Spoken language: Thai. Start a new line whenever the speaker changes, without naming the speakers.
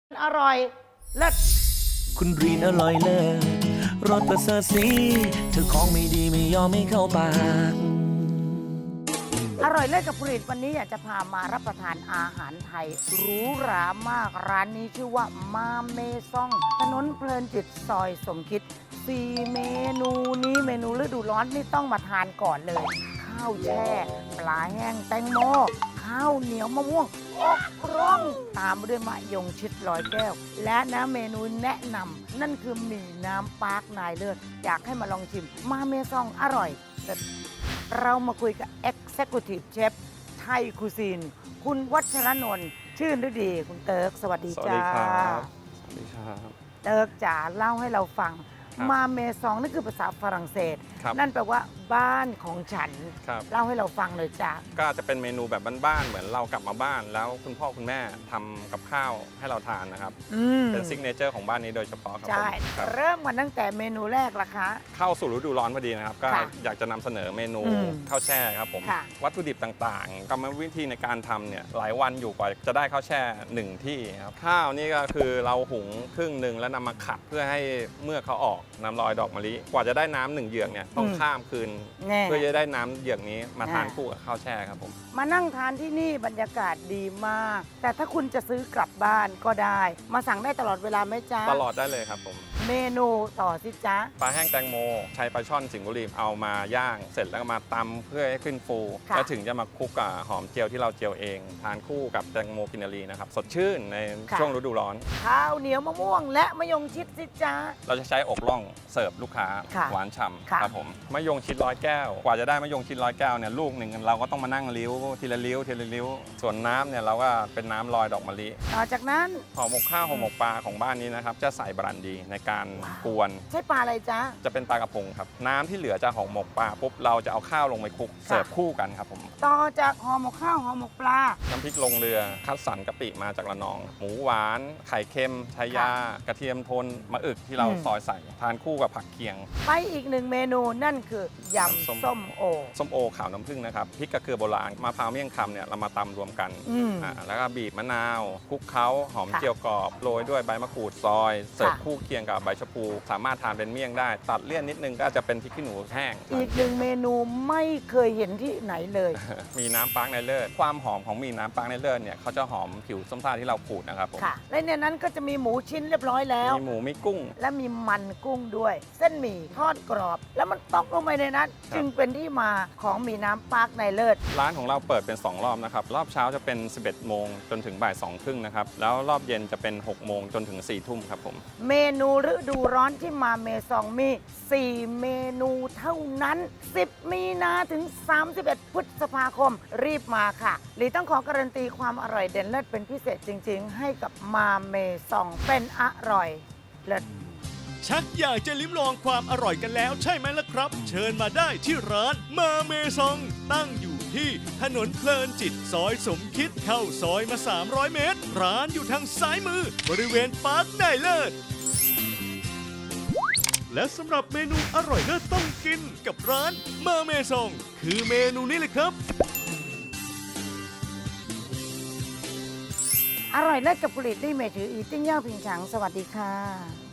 อร่อยเลิศ
คุณรีนอร่อยเลิศรสประเสริฐสีเธอของไม่ดีไม่ยอมไม่เข้าปาก
อร่อยเลิศกับผลิตวันนี้อยากจะพามารับประทานอาหารไทยหรูหรามากร้านนี้ชื่อว่ามาเมซองถนนเพลินจิตซอยสมคิด4เมนูนี้เมนูฤดูร้อนนี่ต้องมาทานก่อนเลย ข้าวแช่ปลาแห้งแตงโมข้าวเหนียวมะม่วงอกร่องตามด้วยมะยงชิดลอยแก้ว และนะเมนูแนะนำนั่นคือหมี่น้ำปาร์คนายเลิศอยากให้มาลองชิมมาเมซองอร่อยเลิศเรามาคุยกับ Executive Chef ไทยคูซีนคุณวัชรนนท์ชื่นฤดีคุณเติร์กสวัสดี
สวัส
จ้า
ดีครับสวัสดีครับ
เติร์กจ๋าเล่าให้เราฟัง
ครับ
มาเมซองนั่นคือภาษาฝรั่งเศส
ครับ
นั่นแปลว่าบ้านของฉัน
ครับ
เล่าให้เราฟังเลยจ้า
ก็จะเป็นเมนูแบบบ้านๆ เหมือนเรากลับมาบ้าน แล้วคุณพ่อคุณแม่ทำกับข้าวให้เราทานนะครับ เป็นซิกเนเจอร์ของบ้านนี้โดยเฉพาะครับ
ใช่
ผมครับ
เริ่มมาตั้งแต่เมนูแรกละคะ
เข้าสู่ฤดูร้อนพอดีนะครับ ก็
ค่ะ
อยากจะนำเสนอเมนู
อืม
ข้าวแช่ครับผม
ค่ะ
วัตถุดิบต่างๆ กรรมวิธีในการทำเนี่ยหลายวันอยู่กว่าจะได้ข้าวแช่หนึ่งที่ครับ ข้าวนี่ก็คือเราหุงครึ่งหนึ่งแล้วนำมาขัดเพื่อให้เมื่อกเขาออกน้ำลอยดอกมะลิ กว่าจะได้น้ำหนึ่งเหยือกเนี่ยต้องข้ามคืน
แน่
เพื่อจะได้น้ำเหยือกนี้มาทาน
อ่า
คู่กับข้าวแช่ครับผม
มานั่งทานที่นี่บรรยากาศดีมาก แต่ถ้าคุณจะซื้อกลับบ้านก็ได้ มาสั่งได้ตลอดเวลาไหมจ๊ะ
ตลอดได้เลยครับผม
เมนูต่อสิจ๊ะ
ปลาแห้งแตงโมใช้ปลาช่อนสิงห์บุรีเอามาย่าง เสร็จแล้วก็มาตำเพื่อให้ขึ้นฟู
ค่ะ
แล้วถึงจะมาคลุกกับหอมเจียวที่เราเจียวเอง ทานคู่กับแตงโมกินนารีนะครับ สดชื่นในช่วงฤดูร้อน
ข้าวเหนียวมะม่วงและมะยงชิดสิจ๊ะ
เราจะใช้อกล่องเสิร์ฟลูกค้า
ค่ะ
หวานฉ่
ค่ะ
ำครับผมมะยงชิดร้อยแก้ว กว่าจะได้มะยงชิดร้อยแก้วเนี่ยลูกหนึ่งเราก็ต้องมานั่งลิ้วทีละลิ้วทีละลิ้ว ส่วนน้ำเนี่ยเราก็เป็นน้ำลอยดอกมะลิ
ต่อจากนั้น
ห่อหมกข้าวห่อหมกปลาของบ้านนี้นะครับจะใส่บรันดีในการกวน
ใช้ปลาอะไรจ๊ะ
จะเป็นปลากระพงครับ น้ำที่เหลือจากห่อหมกปลาปุ๊บเราจะเอาข้าวลงไปคลุกเสิร์ฟคู่กันครับผม
ต่อจากห่อหมกข้าวห่อหมกปลา
น้ำพริกลงเรือคัดสรรกะปิมาจากระนอง หมูหวาน ไข่เค็มชายา กระเทียมโทนมะอึกที่เราซอยใส่ทานคู่กับผักเคียง
ไปอีกหนึ่งเมนูนั่นคือยำส้มโอ
ส้มโอขาวน้ำผึ้งนะครับพริกกระเกลือโบราณมะพร้าวเมี่ยงคำเนี่ยเรามาตำรวมกัน
อืม
แล้วก็บีบมะนาวคลุกเคล้าหอม
ค่ะ
เจียวกรอบโรยด้วยใบมะกรูดซอยเสิร์ฟ
ค่ะ
คู่เคียงกับใบชะพูสามารถทานเป็นเมี่ยงได้ ตัดเลี่ยนนิดนึงก็จะเป็นพริกขี้หนูแห้ง
อีกหนึ่งเมนูไม่เคยเห็นที่ไหนเลย
มีน้ำปาร์กในเลิศความหอมของมีน้ำปาร์กในเลิศเนี่ยเขาจะหอมผิวส้มซ่าที่เราขูดนะครับผม
ค่ะ และในนั้นก็จะมีหมูชิ้นเรียบร้อยแล้ว
มีหมูมีกุ้ง
และมีมันกุ้งด้วย เส้นหมี่ทอดกรอบ แล้วมันตกลงไปในนั้น
ครับ
จึงเป็นที่มาของหมีน้ำปาร์คในเลิศ
ร้านของเราเปิดเป็น 2 รอบนะครับ รอบเช้าจะเป็น 11 โมงจนถึงบ่าย2ครึ่งนะครับ แล้วรอบเย็นจะเป็น 6 โมงจนถึง 4 ทุ่มครับผม
เมนูฤดูร้อนที่มาเมซองมี 4 เมนูเท่านั้น 10 มีนาถึง 31 พฤษภาคม รีบมาค่ะหลีต้องขอการันตีความอร่อยเด่นเลิศเป็นพิเศษจริง ๆ ให้กับมาเมซองเป็นอร่อยเลิศ
ชักอยากจะลิ้มลองความอร่อยกันแล้วใช่ไหมล่ะครับ เชิญมาได้ที่ร้านมาเมซอง ตั้งอยู่ที่ถนนเพลินจิตซอยสมคิดเข้าซอยมา 300 เมตร ร้านอยู่ทางซ้ายมือบริเวณปาร์คไนเลิศและสำหรับเมนูอร่อยเลิศต้องกินกับร้านมาเมซองคือเมนูนี้เลยครับ
อร่อยเลิศกับผลิตด้วยเมถืออีติ้งเย่าผิงฉังสวัสดีค่ะ